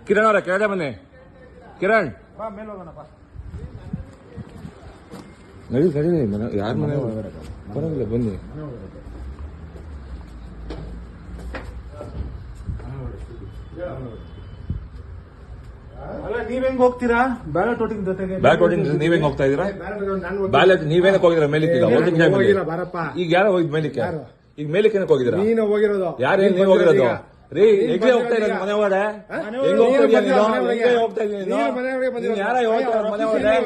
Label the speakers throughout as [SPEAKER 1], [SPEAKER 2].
[SPEAKER 1] ಕಿರಣ್ ಅವರ ಕೆಳಗಡೆ ಬನ್ನಿ. ಕಿರಣ್ ನಡಿ ಸರಿ, ಯಾರ ಮನೆ ಬರೋದಿಲ್ಲ, ಬನ್ನಿ.
[SPEAKER 2] ಅಲ್ಲ ನೀವ್ ಹೆಂಗ್ ಹೋಗ್ತೀರಾ ಬ್ಯಾಲೆಟ್ ವೋಟಿಂಗ್ ಜೊತೆಗೆ?
[SPEAKER 1] ಬ್ಯಾಲೆಟ್ ವೋಟಿಂಗ್ ನೀವ್ ಹೆಂಗ್ ಹೋಗ್ತಾ ಇದೀರಾ? ಬ್ಯಾಲೆಟ್ ನೀವೇನಕ್ಕೆ ಹೋಗಿದ್ರ ಮೇಲಿಕ್ಕೆ? ಈಗ ಯಾರೋ ಹೋಗಿದ್ ಮೇಲಿಕ್ಕೆ? ಈಗ ಮೇಲಿಕ್ಕೆ ಏನಕ್ಕೆ ಹೋಗಿದ್ದೀರಾ?
[SPEAKER 2] ನೀನು ಹೋಗಿರೋದು.
[SPEAKER 1] ಯಾರು ನೀವು ಹೋಗಿರೋದು? ರೀ ಹೆಂಗೆ ಹೋಗ್ತಾ ಇರೋದು ಮನೆ ಒಳಗಡೆ? ಹೆಂಗ್ ಹೋಗ್ತಾ ಇದೀಯ ನೀನು? ಹೆಂಗೆ ಹೋಗ್ತಾ ಇದೀಯ ನೀನು? ಯಾರ ಹೋಗ್ತಾ ಮನೆ ಒಳಗಡೆ?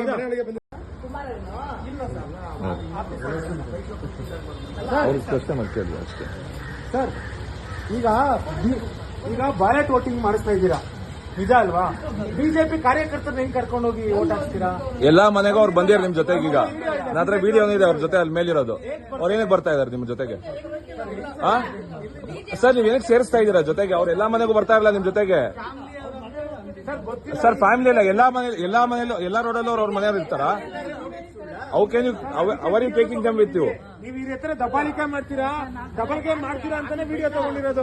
[SPEAKER 1] ಅವ್ರಿಗೆ ಪ್ರಶ್ನೆ ಮಾಡ್ತೀವಿ ಅಷ್ಟೇ
[SPEAKER 2] ಸರ್. ಈಗ ಬ್ಯಾಲೆಟ್ ವೋಟಿಂಗ್ ಮಾಡಿಸ್ತಾ ಇದ್ದೀರಾ, ನಿಜ ಅಲ್ವಾ? ಬಿಜೆಪಿ ಕಾರ್ಯಕರ್ತರನ್ನ ಹೆಂಗ್ ಕರ್ಕೊಂಡು ಹೋಗಿ ವೋಟ್ ಹಾಕ್ತೀರಾ?
[SPEAKER 1] ಎಲ್ಲಾ ಮನೆಗೂ ಅವ್ರು ಬಂದಿರ ನಿಮ್ ಜೊತೆಗೆ. ಈಗ ನನ್ನ ವಿಡಿಯೋ ಇದೆ ಅವ್ರ ಜೊತೆ, ಅಲ್ಲಿ ಮೇಲಿರೋದು. ಅವ್ರ ಏನಕ್ಕೆ ಬರ್ತಾ ಇದಾರೆ ನಿಮ್ ಜೊತೆಗೆ? ಸರ್ ನೀವ್ ಏನಕ್ಕೆ ಸೇರಿಸ್ತಾ ಇದೀರಾ ಜೊತೆಗೆ? ಅವ್ರ ಎಲ್ಲಾ ಮನೆಗೂ ಬರ್ತಾ ಇರಲ್ಲ ನಿಮ್ ಜೊತೆಗೆ. ಸರ್ ಫ್ಯಾಮಿಲಿ ಇಲ್ಲ, ಎಲ್ಲಾ ಮನೆಯಲ್ಲೂ ಎಲ್ಲಾ ರೋಡಲ್ಲೂ ಅವ್ರ ಮನೆಯವ್ರು ಇರ್ತಾರ. Are you taking them with you?
[SPEAKER 2] ನೀವು ಈ ಹತ್ರ ದಬ್ಬಾಳಿಕೆ ಮಾಡ್ತೀರಾ ಅಂತಾನೆ ವಿಡಿಯೋ ತಗೊಂಡಿರೋದು.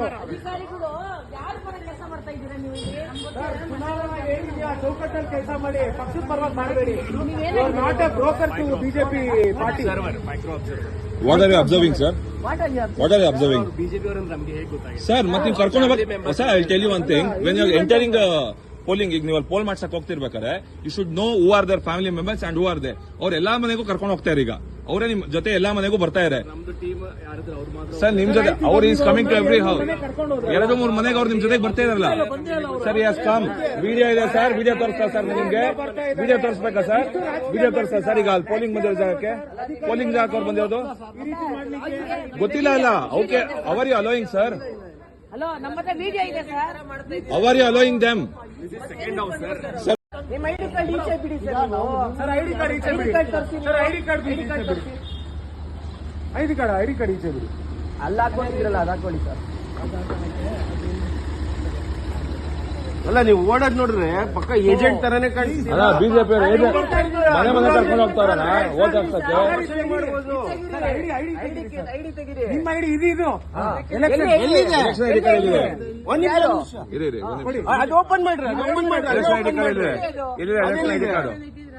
[SPEAKER 2] ಚೌಕಟ್ಟಲ್ಲಿ ಕೆಲಸ ಮಾಡಿ, ಪಕ್ಷದ ಪರವಾಗಿ ಮಾಡಬೇಡಿ. Not a broker to BJP party.
[SPEAKER 1] What are you observing sir? What are you observing? Sir ಮತ್ತೆ ನೀವು ಕರ್ಕೊಂಡು ಹೋಗ್ಬೇಕು sir. I tell you one thing, when you entering polling, ಈಗ ನೀವು ಪೋಲ್ ಮಾಡ್ಸಕ್ ಹೋಗ್ತಿರ್ಬೇಕಾದ್ರೆ you should know who are their family members and who are they. ಅವ್ರ ಎಲ್ಲಾ ಮನೆಗೂ ಕರ್ಕೊಂಡು ಹೋಗ್ತಾರೆ. ಈಗ ಅವರೇ ನಿಮ್ ಜೊತೆ ಎಲ್ಲಾ ಮನೆಗೂ ಬರ್ತಾ ಇದ್ದಾರೆ ಸರ್. ನಿಮ್ ಜೊತೆ ಅವ್ರು is coming to every house. 2-3 ಮನೆಗೆ ಅವ್ರು ನಿಮ್ ಜೊತೆಗೆ ಬರ್ತಾ ಇದಾರಲ್ಲ ಸರ್. Yes come. ವಿಡಿಯೋ ಇದೆ ಸರ್, ವಿಡಿಯೋ ತೋರಿಸ್ತಾ ಸರ್ ನಿಮ್ಗೆ? ವಿಡಿಯೋ ತೋರಿಸ್ಬೇಕಾ ಸರ್? ವಿಡಿಯೋ ತೋರಿಸ್ತಾ ಸರ್. ಈಗ ಅಲ್ಲಿ ಪೋಲಿಂಗ್ ಬಂದಿರೋ ಜಾಗಕ್ಕೆ, ಪೋಲಿಂಗ್ ಜಾಗಕ್ಕೆ ಅವ್ರು ಬಂದಿರೋದು ಗೊತ್ತಿಲ್ಲ ಅಲ್ಲ. Okay, are you allowing sir?
[SPEAKER 3] Hello, ನಮ್ಮ ಹತ್ರ ವಿಡಿಯೋ ಇದೆ sir.
[SPEAKER 1] Are you allowing them?
[SPEAKER 3] ನಿಮ್ಮ ಐಡಿ ಕಾರ್ಡ್ ಈಚೆ ಬಿಡಿ ಸರ್.
[SPEAKER 2] ಸರ್ ಐಡಿ ಕಾರ್ಡ್ ಈಚೆ ಬಿಡಿ. ಸರ್ ಐಡಿ ಕಾರ್ಡ್ ಈಚೆ ಬಿಡಿ.
[SPEAKER 3] ಅಲ್ಲ ಹಾಕೊಂಡಿದ್ರಲ್ಲ, ಅದು ಹಾಕೊಳ್ಳಿ ಸರ್.
[SPEAKER 2] ಅಲ್ಲ ನೀವು ಓಡೋದ್ ನೋಡ್ರೆ ಪಕ್ಕ ಏಜೆಂಟ್ ತರಾನೇ ಕಾಣಿಸ್ತೀವಿ.
[SPEAKER 1] ಅಲ್ಲ ಬಿಜೆಪಿ ಮನೆ ಮನೆ ಕರ್ಕೊಂಡು ಹೋಗ್ತಾರಲ್ಲ ಓಟ್ ಹಾಕ್ಸಕ್ಕೆ.
[SPEAKER 3] ಐಡಿ ತೆಗಿರಿ.
[SPEAKER 2] ನಿಮ್ಮ ಐಡಿ ಇದು
[SPEAKER 1] ಎಲೆಕ್ಷನ್ ಐಡಿ ಕಾರ್ಡ್ ಇದೆ. ಇರಿ
[SPEAKER 2] ಅದು ಓಪನ್ ಮಾಡ್ರಿ.
[SPEAKER 1] ಎಲೆಕ್ಷನ್ ಐಡಿ ಕಾರ್ಡ್ ಇದೆ. ಇಲ್ಲಿ ಎಲೆಕ್ಷನ್ ಐಡಿ ಕಾರ್ಡ್.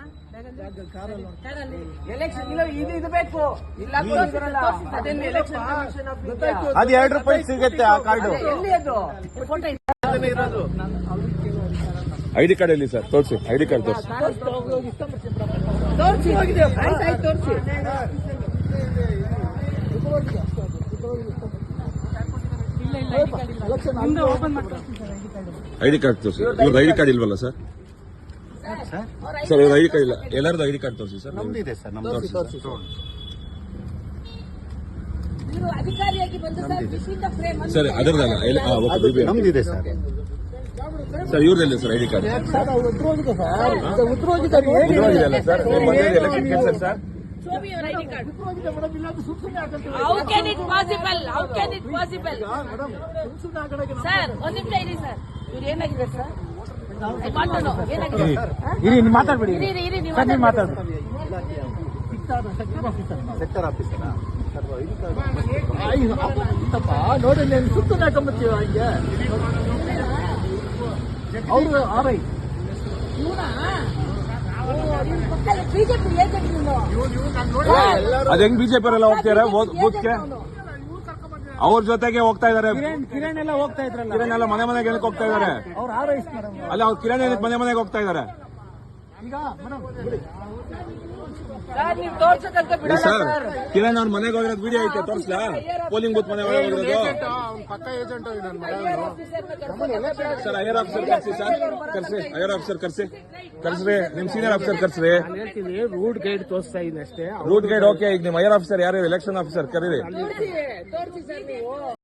[SPEAKER 3] ಎಲೆಕ್ಷನ್ ಇದು ಬೇಕು. ಇಲ್ಲ ಅದೇನು ಎಲೆಕ್ಷನ್ ಕಮಿಷನ್ ಆಫ್ ಇಂಡಿಯಾ.
[SPEAKER 2] ಅದು ₹2 ಸಿಗುತ್ತೆ ಆ ಕಾರ್ಡು.
[SPEAKER 3] ಎಲ್ಲಿ ಅದು ಫೋಟೋ
[SPEAKER 2] ಇರೋದು?
[SPEAKER 1] ಐಡಿ ಕಾರ್ಡ್ ಎಲ್ಲಿ ಸರ್? ತೋರಿಸಿ ಐಡಿ ಕಾರ್ಡ್ ತೋರಿಸಿ.
[SPEAKER 3] ತೋರಿಸಿ.
[SPEAKER 1] ಐಡಿ ಕಾರ್ಡ್ ತೋರಿಸಿ. ಇವ್ರದ್ದು ಐಡಿ ಕಾರ್ಡ್ ಇಲ್ವಲ್ಲ ಸರ್? ಸರ್ ಇವ್ರ ಐಡಿ ಕಾರ್ಡ್ ಇಲ್ಲ. ಎಲ್ಲರದ್ದು ಐಡಿ ಕಾರ್ಡ್ ತೋರಿಸಿ ಸರ್.
[SPEAKER 2] ನಮ್ದಿದೆ ಸರ್, ನಮ್ದು ತೋರಿಸಿ.
[SPEAKER 3] ಅಧಿಕಾರಿಯಾಗಿ ಬಂದು
[SPEAKER 1] ಸರ್ ಅದರದಲ್ಲ,
[SPEAKER 2] ನಮ್ದಿದೆ ಸರ್.
[SPEAKER 1] ಸರ್ ಇವ್ರದಲ್ಲ ಸರ್ ಐಡಿ ಕಾರ್ಡ್? ಉದ್ರೋಗಿದೆಯಲ್ಲ ಸರ್. ಎಲೆಕ್ಷನ್ ಕೆಲಸ sir.
[SPEAKER 3] How can it possible? Sir ಒಂದು ನಿಮಿಷ ಇರಿ ಸರ್. ಇವ್ರು ಏನಾಗಿದೆ ಸರ್? ಏನಾಗಿದೆ?
[SPEAKER 2] ಮಾತಾಡ್ಬೇಡಿ.
[SPEAKER 3] ಇರಿ
[SPEAKER 2] ಮಾತಾಡ್ಬೇಡಿ. ಸೆಕ್ಟರ್ ಆಫೀಸರ್ ನೋಡಿ ಸುತ್ತ ಹಾಕೊಂಬತ್ತೀವ ಹಂಗೆ. ಅವರು ಆರೈ
[SPEAKER 3] ಬಿಜೆಪಿ
[SPEAKER 1] ಅದ್ ಹೆಂಗ್ ಬಿಜೆಪಿ ಅವರೆಲ್ಲ ಹೋಗ್ತಾರೆ ಬೂತ್ಗೆ? ಅವ್ರ ಜೊತೆಗೆ ಹೋಗ್ತಾ ಇದಾರೆ.
[SPEAKER 2] ಕಿರಣ್ ಎಲ್ಲ ಹೋಗ್ತಾ ಇದ್ರಲ್ಲ.
[SPEAKER 1] ಕಿರಣ್ ಎಲ್ಲ ಮನೆ ಮನೆಗೆ ಏನಕ್ಕೆ ಹೋಗ್ತಾ ಇದಾರೆ?
[SPEAKER 2] ಅವ್ರು ಆರೈಸ್ತಾರೆ.
[SPEAKER 1] ಅಲ್ಲ ಅವ್ರು ಕಿರಣ್ ಏನಕ್ಕೆ ಮನೆ ಮನೆಗೆ ಹೋಗ್ತಾ ಇದಾರೆ?
[SPEAKER 2] ಈಗ
[SPEAKER 3] ನೀವು ತೋರ್ಸಕ್ಕಂತ ಬಿಡಲ್ಲ
[SPEAKER 1] ಸರ್.
[SPEAKER 3] ಸರ್.
[SPEAKER 1] ಕಿರಣ್ ಅವ್ರ ಮನೆಗೆ ಹೋಗಿರೋದು ವಿಡಿಯೋ ಐತೆ, ತೋರಿಸ್ಲಾ? ಪೋಲಿಂಗ್ ಬೂತ್ ಮನೆ ಒಳಗೆ ಹೋಗಿರೋದು.
[SPEAKER 2] ಪಕ್ಕ ಏಜೆಂಟ್
[SPEAKER 1] ಸರ್ ಐಆರ್ ಆಫೀಸರ್ ಕರ್ಸಿ ಸರ್. ಕರ್ಸಿ ಐಆರ್ ಆಫೀಸರ್ ಕರ್ಸ್ರಿ. ನಿಮ್ ಸೀನಿಯರ್ ಆಫೀಸರ್ ಕರ್ಸ್ರಿ.
[SPEAKER 2] ರೂಟ್ ಗೈಡ್ ತೋರಿಸ್ತಾ ಇದ್ದೀನಿ ಅಷ್ಟೇ.
[SPEAKER 1] Route guide okay. ಈಗ ನಿಮ್ ಐಆರ್ ಆಫೀಸರ್ ಯಾರು? ಎಲೆಕ್ಷನ್ ಆಫೀಸರ್ ಕರೀರಿ.
[SPEAKER 3] ತೋರಿಸಿ ಸರ್ ನೀವು.